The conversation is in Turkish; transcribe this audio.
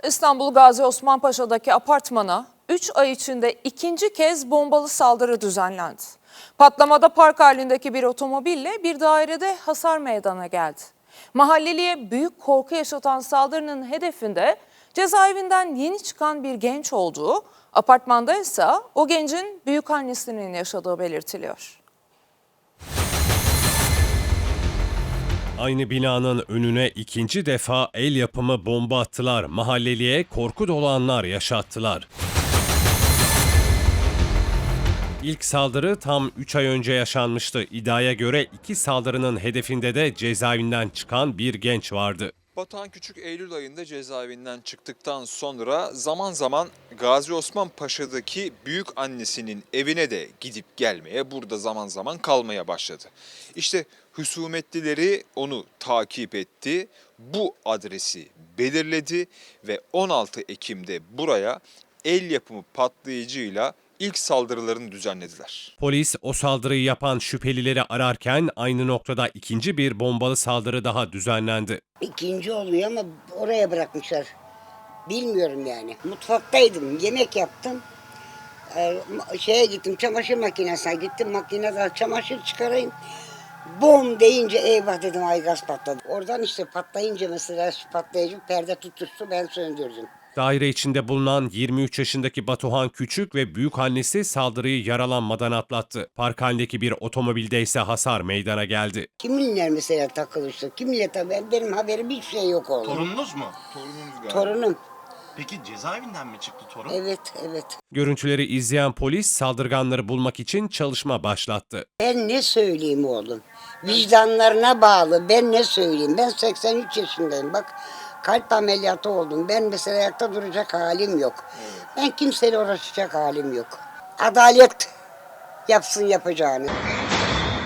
İstanbul Gazi Osman Paşa'daki apartmana 3 ay içinde ikinci kez bombalı saldırı düzenlendi. Patlamada park halindeki bir otomobille bir dairede hasar meydana geldi. Mahalleliye büyük korku yaşatan saldırının hedefinde cezaevinden yeni çıkan bir genç olduğu, apartmanda ise o gencin büyükannesinin yaşadığı belirtiliyor. Aynı binanın önüne ikinci defa el yapımı bomba attılar. Mahalleliye korku dolu anlar yaşattılar. İlk saldırı tam 3 ay önce yaşanmıştı. İddiaya göre iki saldırının hedefinde de cezaevinden çıkan bir genç vardı. Batuhan Küçük Eylül ayında cezaevinden çıktıktan sonra zaman zaman Gazi Osman Paşa'daki büyük annesinin evine de gidip gelmeye, burada zaman zaman kalmaya başladı. İşte husumetlileri onu takip etti, bu adresi belirledi ve 16 Ekim'de buraya el yapımı patlayıcıyla ilk saldırılarını düzenlediler. Polis o saldırıyı yapan şüphelileri ararken aynı noktada ikinci bir bombalı saldırı daha düzenlendi. İkinci oluyor ama oraya bırakmışlar. Bilmiyorum yani. Mutfaktaydım, yemek yaptım. Şeye gittim, çamaşır makinesine gittim. Makineden çamaşır çıkarayım. Bom deyince eyvah dedim, ay gaz patladı. Oradan işte patlayınca mesela patlayıcı perde tutuştu, ben söndürdüm. Daire içinde bulunan 23 yaşındaki Batuhan Küçük ve büyükannesi saldırıyı yaralanmadan atlattı. Park halindeki bir otomobilde ise hasar meydana geldi. Kiminle mesela takılıştı, kiminle tabii benim haberim hiçbir şey yok oğlum. Torununuz mu? Torunum. Peki cezaevinden mi çıktı torun? Evet, evet. Görüntüleri izleyen polis saldırganları bulmak için çalışma başlattı. Ben ne söyleyeyim oğlum? Vicdanlarına bağlı. Ben ne söyleyeyim? Ben 83 yaşındayım. Bak kalp ameliyatı oldum. Ben mesela ayakta duracak halim yok. Evet. Ben kimseyle uğraşacak halim yok. Adalet yapsın yapacağını.